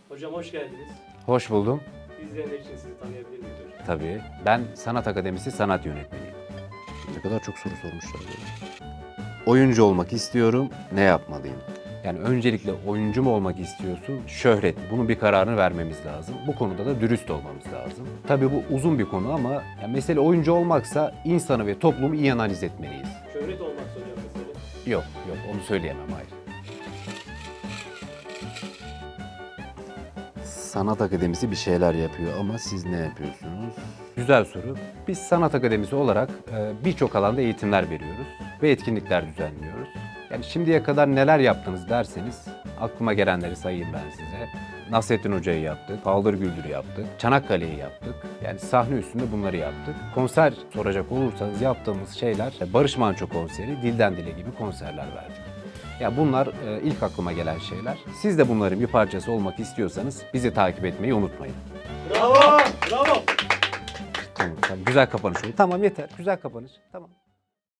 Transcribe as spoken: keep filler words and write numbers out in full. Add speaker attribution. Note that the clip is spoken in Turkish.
Speaker 1: Hocam hoş geldiniz.
Speaker 2: Hoş buldum.
Speaker 1: İzleyenler için sizi tanıyabilir miyiz hocam?
Speaker 2: Tabii. Ben Sanat Akademisi sanat yönetmeniyim. Ne kadar çok soru sormuşlar böyle. Oyuncu olmak istiyorum, ne yapmalıyım? Yani öncelikle oyuncu mu olmak istiyorsun, şöhret mi? Bunun bir kararını vermemiz lazım. Bu konuda da dürüst olmamız lazım. Tabii bu uzun bir konu ama yani mesele oyuncu olmaksa insanı ve toplumu iyi analiz etmeliyiz.
Speaker 1: Şöhret olmaksa hocam mesela.
Speaker 2: Yok, yok onu söyleyemem, hayır. Sanat Akademisi bir şeyler yapıyor ama siz ne yapıyorsunuz? Güzel soru. Biz Sanat Akademisi olarak e, birçok alanda eğitimler veriyoruz ve etkinlikler düzenliyoruz. Yani şimdiye kadar neler yaptınız derseniz aklıma gelenleri sayayım ben size. Nasrettin Hoca'yı yaptık, Paldır Güldür'ü yaptık, Çanakkale'yi yaptık. Yani sahne üstünde bunları yaptık. Konser soracak olursanız yaptığımız şeyler Barış Manço konseri, Dilden Dile gibi konserler verdik. Ya bunlar e, ilk aklıma gelen şeyler. Siz de bunların bir parçası olmak istiyorsanız bizi takip etmeyi unutmayın.
Speaker 1: Bravo! Bravo!
Speaker 2: Tamam, tamam. Güzel kapanış oldu. Tamam yeter. Güzel kapanış. Tamam.